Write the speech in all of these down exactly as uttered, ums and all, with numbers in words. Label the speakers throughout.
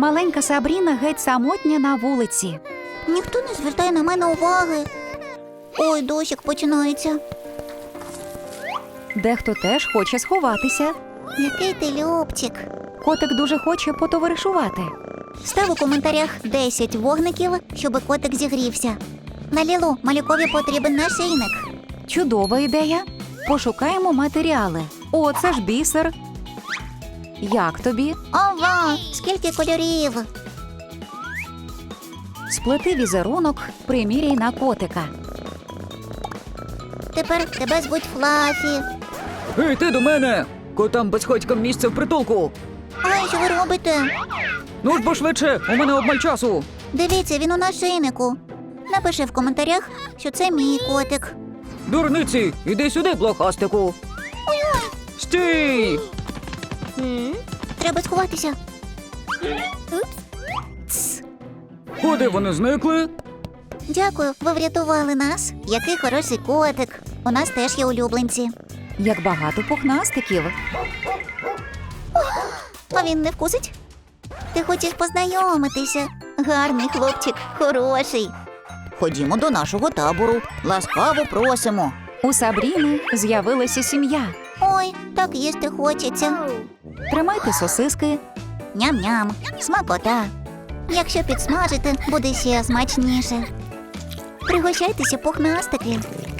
Speaker 1: Маленька Сабріна геть самотня на вулиці.
Speaker 2: Ніхто не звертає на мене уваги. Ой, дощик починається.
Speaker 1: Дехто теж хоче сховатися.
Speaker 2: Який ти любчик.
Speaker 1: Котик дуже хоче потоваришувати.
Speaker 2: Став у коментарях десять вогників, щоб котик зігрівся. Лалілу, малюкові потрібен нашийник.
Speaker 1: Чудова ідея. Пошукаємо матеріали. О, це ж бісер. Як тобі?
Speaker 2: Ова, скільки кольорів.
Speaker 1: Сплети візерунок, приміряй на котика.
Speaker 2: Тепер тебе звуть Флафі.
Speaker 3: Ей, ти до мене! Котам безхатькам місце в притулку.
Speaker 2: Ай, що ви робите?
Speaker 3: Ну ж бо швидше, у мене обмаль часу.
Speaker 2: Дивіться, він у нашийнику. Напиши в коментарях, що це мій котик.
Speaker 3: Дурниці, іди сюди, блохастику. Стій!
Speaker 2: Треба сховатися. Тс.
Speaker 3: Куди вони зникли?
Speaker 2: Дякую, ви врятували нас. Який хороший котик. У нас теж є улюбленці.
Speaker 1: Як багато пухнастиків.
Speaker 2: А він не вкусить? Ти хочеш познайомитися? Гарний хлопчик, хороший. Ходімо до нашого табору. Ласкаво просимо.
Speaker 1: У Сабріни з'явилася сім'я.
Speaker 2: Ой, так їсти хочеться.
Speaker 1: Тримайте сосиски.
Speaker 2: Ням-ням, смакота. Якщо підсмажити, буде ще смачніше. Пригощайтеся, пухнастики.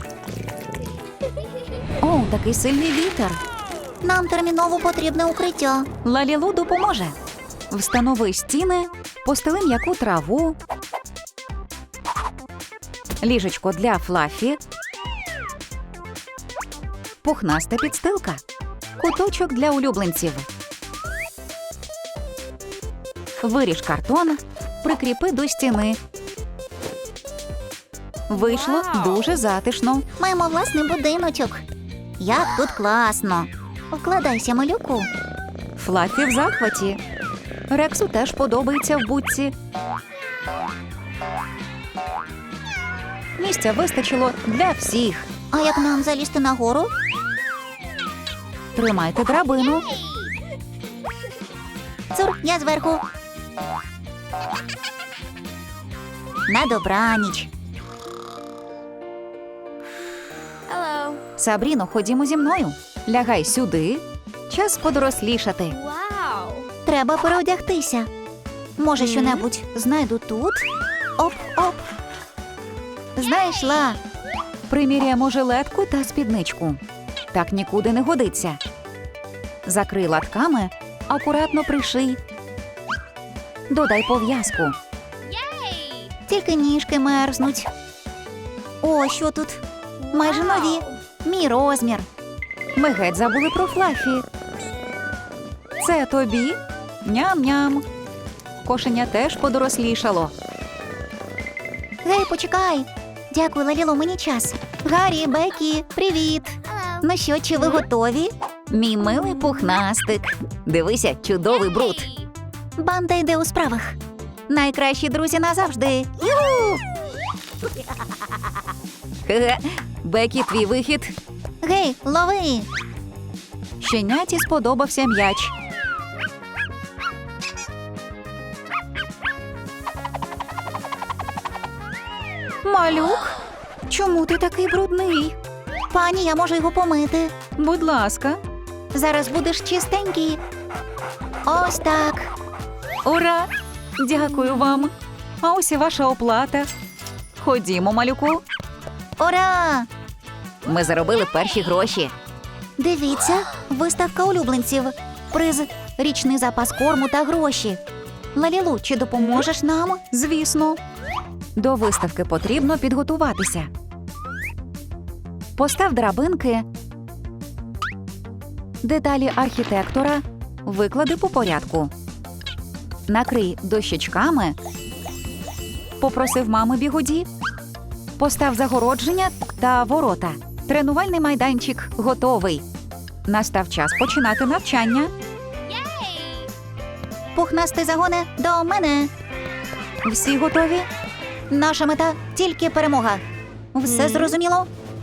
Speaker 1: О, такий сильний вітер.
Speaker 2: Нам терміново потрібне укриття.
Speaker 1: Лалілу допоможе. Встанови стіни, постели м'яку траву, ліжечко для Флафі, пухнаста підстилка, куточок для улюбленців. Виріж картон, прикріпи до стіни. Вийшло дуже затишно.
Speaker 2: Маємо власний будиночок. Як тут класно. Вкладайся, малюку.
Speaker 1: Флафі в захваті. Рексу теж подобається в будці. Місця вистачило для всіх.
Speaker 2: А як нам залізти нагору?
Speaker 1: Тримайте драбину.
Speaker 2: Цур, я зверху. На добраніч.
Speaker 1: Сабріно, ходімо зі мною. Лягай сюди. Час подорослішати.
Speaker 2: Треба переодягтися. Може, що-небудь знайду тут? Оп-оп. Знайшла.
Speaker 1: Приміряємо жилетку та спідничку. Так нікуди не годиться. Закрий латками, акуратно приший. Додай пов'язку.
Speaker 2: Тільки ніжки мерзнуть. О, що тут? Майже нові. Мій розмір.
Speaker 1: Ми геть забули про Флафі. Це тобі? Ням-ням. Кошеня теж подорослішало.
Speaker 2: Гей, почекай. Дякую, Лаліло, мені час. Гаррі, Бекі, привіт. Ну що, чи ви готові?
Speaker 1: Мій милий пухнастик. Дивися, чудовий бруд.
Speaker 2: Банда йде у справах. Найкращі друзі назавжди. Ю!
Speaker 1: Хе-хе. Бекі, твій вихід.
Speaker 2: Гей, лови.
Speaker 1: Щеняті сподобався м'яч. Малюк, чому ти такий брудний?
Speaker 2: Пані, я можу його помити.
Speaker 1: Будь ласка.
Speaker 2: Зараз будеш чистенький. Ось так.
Speaker 1: Ура! Дякую вам. А ось і ваша оплата. Ходімо, малюку.
Speaker 2: Ура!
Speaker 1: Ми заробили перші гроші.
Speaker 2: Дивіться, виставка улюбленців. Приз – річний запас корму та гроші. Лалілу, чи допоможеш нам?
Speaker 1: Звісно. До виставки потрібно підготуватися. Постав драбинки. Деталі архітектора виклади по порядку. Накрий дощечками. Попросив мами бігуді. Постав загородження та ворота. Тренувальний майданчик готовий. Настав час починати навчання.
Speaker 2: Пухнастий загоне до мене.
Speaker 1: Всі готові?
Speaker 2: Наша мета – тільки перемога. Все зрозуміло?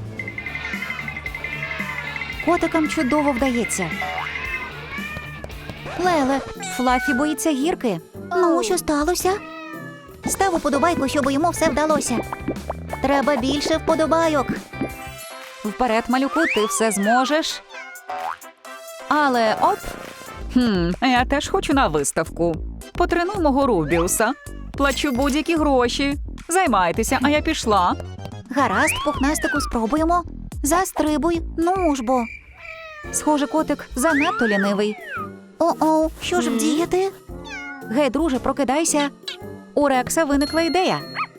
Speaker 1: Котикам чудово вдається. Леле, Флафі боїться гірки.
Speaker 2: Ну, що сталося? Став уподобайку, щоб йому все вдалося. Треба більше вподобайок.
Speaker 1: Вперед, малюку, ти все зможеш. Але оп. Хм, я теж хочу на виставку. Потренуй мого Рубіуса. Плачу будь-які гроші. Займайтеся, а я пішла.
Speaker 2: Гаразд, пухнастику, спробуємо. Застрибуй, ну ж бо.
Speaker 1: Схоже, котик занадто лінивий.
Speaker 2: О-о, що ж вдіяти?
Speaker 1: Гей, друже, прокидайся. У Рекса виникла ідея.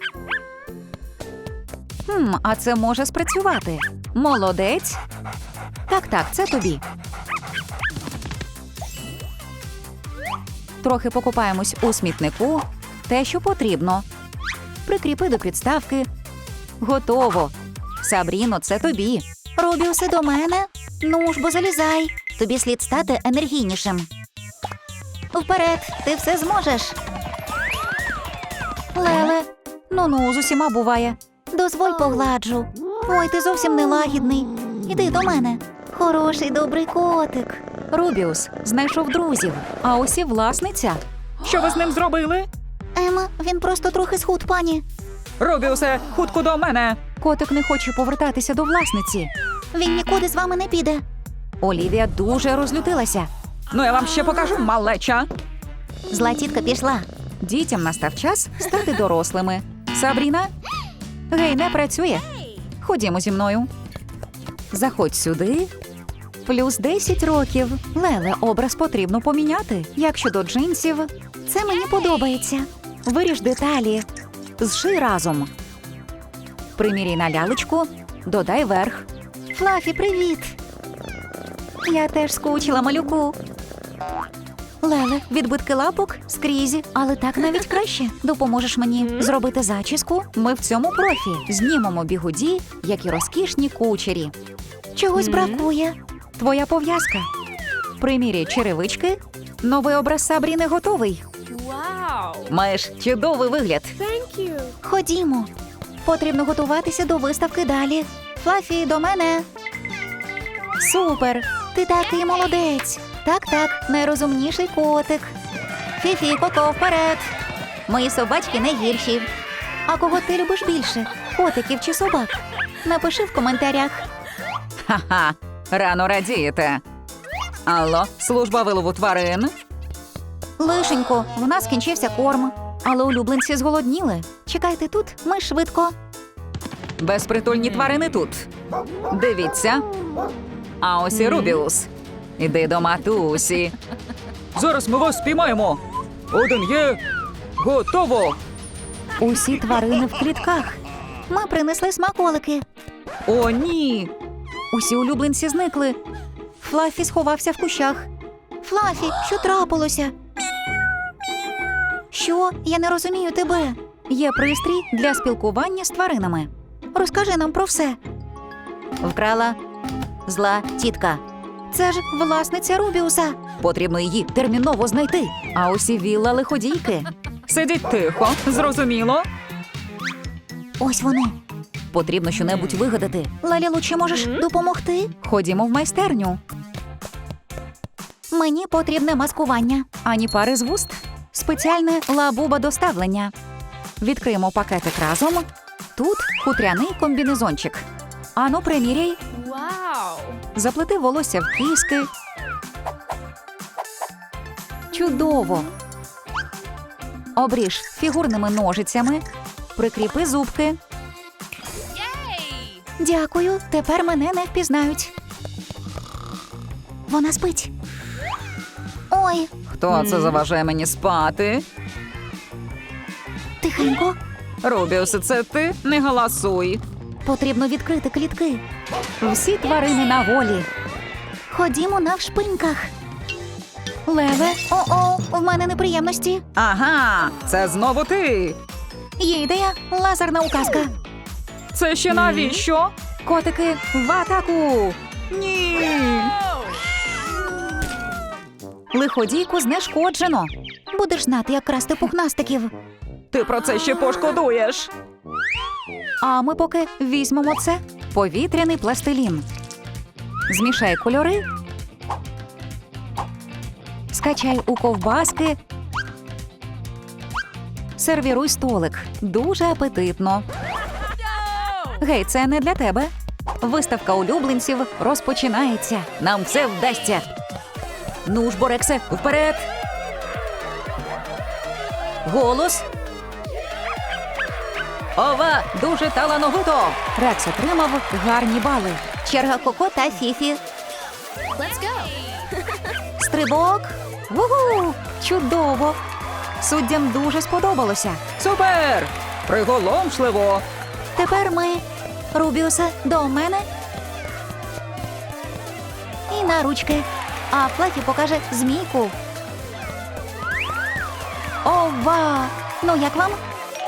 Speaker 1: Хм, а це може спрацювати. Молодець. Так-так, це тобі. Трохи покупаємось у смітнику. Те, що потрібно. Прикріпи до підставки. Готово. Сабріно, це тобі.
Speaker 2: Рубіусе, до мене. Ну ж бо залізай. Тобі слід стати енергійнішим. Вперед, ти все зможеш.
Speaker 1: Леле. Ну-ну, з усіма буває.
Speaker 2: Дозволь погладжу. Ой, ти зовсім нелагідний. Іди до мене. Хороший, добрий котик.
Speaker 1: Рубіус знайшов друзів, а ось і власниця. Що ви з ним зробили?
Speaker 2: Ема, він просто трохи схуд, пані.
Speaker 3: Рубіусе, хутко до мене.
Speaker 1: Котик не хоче повертатися до власниці.
Speaker 2: Він нікуди з вами не піде.
Speaker 1: Олівія дуже розлютилася.
Speaker 3: Ну я вам ще покажу, малеча.
Speaker 2: Зла тітка пішла.
Speaker 1: Дітям настав час стати дорослими. Сабріна? Гей, не працює. Ходімо зі мною. Заходь сюди. Плюс десять років. Леле, образ потрібно поміняти. Як щодо джинсів?
Speaker 2: Це мені подобається.
Speaker 1: Виріж деталі. Зший разом. Приміряй на лялечку. Додай верх.
Speaker 2: Флафі, привіт.
Speaker 1: Я теж скучила, малюку.
Speaker 2: Леле, відбитки лапок скрізь, але так навіть краще. Допоможеш мені зробити зачіску?
Speaker 1: Ми в цьому профі. Знімемо бігуді, як і розкішні кучері.
Speaker 2: Чогось бракує.
Speaker 1: Твоя пов'язка. Приміряй черевички. Новий образ Сабріни готовий.
Speaker 4: Wow!
Speaker 1: Маєш чудовий вигляд.
Speaker 4: Thank you!
Speaker 2: Ходімо. Потрібно готуватися до виставки далі. Флафі, до мене.
Speaker 1: Супер!
Speaker 2: Ти такий молодець. Так-так, найрозумніший котик. Фіфі, Коко, вперед. Мої собачки не гірші. А кого ти любиш більше? Котиків чи собак? Напиши в коментарях.
Speaker 1: Ха-ха, рано радієте. Алло, служба вилову тварин.
Speaker 2: Лишенько, в нас кінчився корм.
Speaker 1: Але улюбленці зголодніли.
Speaker 2: Чекайте тут, ми швидко.
Speaker 1: Безпритульні тварини тут. Дивіться. А ось і Рубіус. Іди до матусі.
Speaker 3: Зараз ми вас спіймаємо. Один є. Готово.
Speaker 1: Усі тварини в клітках.
Speaker 2: Ми принесли смаколики.
Speaker 1: О, ні! Усі улюбленці зникли. Флафі сховався в кущах.
Speaker 2: Флафі, що трапилося? Що? Я не розумію тебе.
Speaker 1: Є пристрій для спілкування з тваринами.
Speaker 2: Розкажи нам про все.
Speaker 1: Вкрала
Speaker 2: Зла тітка.
Speaker 1: Це ж власниця Рубіуса. Потрібно її терміново знайти. А усі вілла лиходійки.
Speaker 3: Сидіть тихо, зрозуміло.
Speaker 2: Ось вони.
Speaker 1: Потрібно щонебудь вигадати.
Speaker 2: Лалілу, чи можеш допомогти?
Speaker 1: Ходімо в майстерню.
Speaker 2: Мені потрібне маскування.
Speaker 1: Ані пари з вуст. Спеціальне лабуба доставлення. Відкриємо пакетик разом. Тут хутряний комбінезончик. Ану, приміряй.
Speaker 4: Wow!
Speaker 1: Заплети волосся в кіски. Чудово! Обріж фігурними ножицями. Прикріпи зубки.
Speaker 2: Дякую, тепер мене не впізнають. Вона спить. Ой,
Speaker 1: Хто це заважає мені спати?
Speaker 2: тихенько.
Speaker 1: Рубіус, це ти? Не галасуй.
Speaker 2: Потрібно відкрити клітки.
Speaker 1: Всі тварини на волі.
Speaker 2: Ходімо навшпиньках. Леве, о-о, в мене неприємності.
Speaker 1: Ага, це знову ти.
Speaker 2: Є ідея, лазерна указка.
Speaker 3: Це ще навіщо?
Speaker 1: Котики, в атаку!
Speaker 3: Ні.
Speaker 1: Лиходійку знешкоджено.
Speaker 2: Будеш знати, як красти пухнастиків.
Speaker 3: Ти про це ще пошкодуєш.
Speaker 1: А ми поки візьмемо це. Повітряний пластилін. Змішай кольори. Скачай у ковбаски. Сервіруй столик. Дуже апетитно. Гей, це не для тебе. Виставка улюбленців розпочинається. Нам все вдасться. Ну ж, Борексе, вперед! Голос. Ова, дуже талановито! Рекс отримав гарні бали.
Speaker 2: Черга Коко та Фіфі.
Speaker 4: Let's go.
Speaker 2: Стрибок.
Speaker 1: Вугу! Чудово! Суддям дуже сподобалося.
Speaker 3: Супер! Приголомшливо!
Speaker 2: Тепер ми. Рубіусе, до мене. І на ручки. А Флефі покаже змійку. Ова! Ну як вам?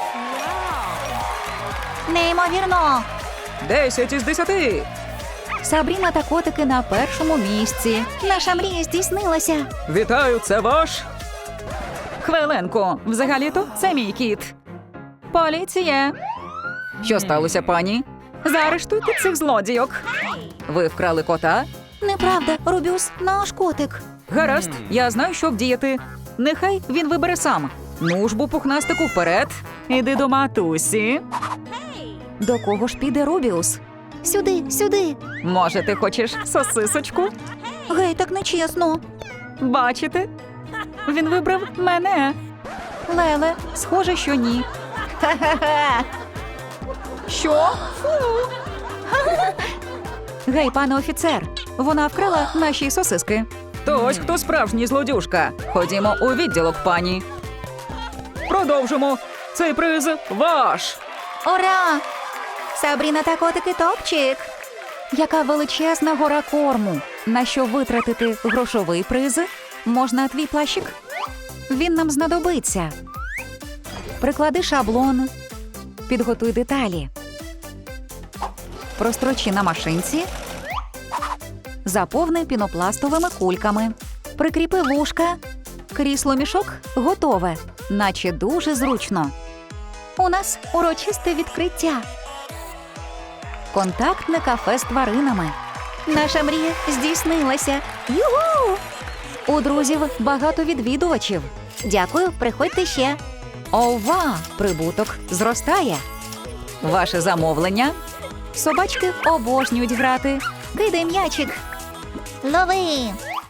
Speaker 2: Неймовірно!
Speaker 3: Десять із десяти!
Speaker 1: Сабріна та котики на першому місці.
Speaker 2: Наша мрія здійснилася.
Speaker 3: Вітаю, це ваш?
Speaker 1: Хвилинку, взагалі-то це мій кіт. Поліція! Що сталося, пані? Заарештуйте цих злодійок. Ви вкрали кота?
Speaker 2: Неправда, Рубіус, наш котик.
Speaker 1: Гаразд, я знаю, що вдіяти. Нехай він вибере сам. Ну ж бо, пухнастику, вперед. Іди до матусі. До кого ж піде Рубіус?
Speaker 2: Сюди, сюди.
Speaker 1: Може, ти хочеш сосисочку?
Speaker 2: Гей, так нечесно.
Speaker 1: Бачите? Він вибрав мене. Леле, схоже, що ні.
Speaker 2: Ха-ха-ха.
Speaker 1: Що? Фу. Гей, пане офіцер, вона вкрала наші сосиски. То ось хто справжній злодюжка. Ходімо у відділок, пані.
Speaker 3: Продовжимо! Цей приз ваш!
Speaker 2: Ура! Сабріна та котики топчик.
Speaker 1: Яка величезна гора корму. На що витратити грошовий приз? Можна твій плащик? Він нам знадобиться. Приклади шаблон. Підготуй деталі. Прострочи на машинці. Заповни пінопластовими кульками. Прикріпи вушка. Крісло-мішок готове. Наче дуже зручно.
Speaker 2: У нас урочисте відкриття.
Speaker 1: Контактне кафе з тваринами.
Speaker 2: Наша мрія здійснилася. Югу!
Speaker 1: У друзів багато відвідувачів.
Speaker 2: Дякую, приходьте ще.
Speaker 1: Ова! Прибуток зростає. Ваше замовлення? Собачки обожнюють грати.
Speaker 2: Кидай м'ячик. Лови.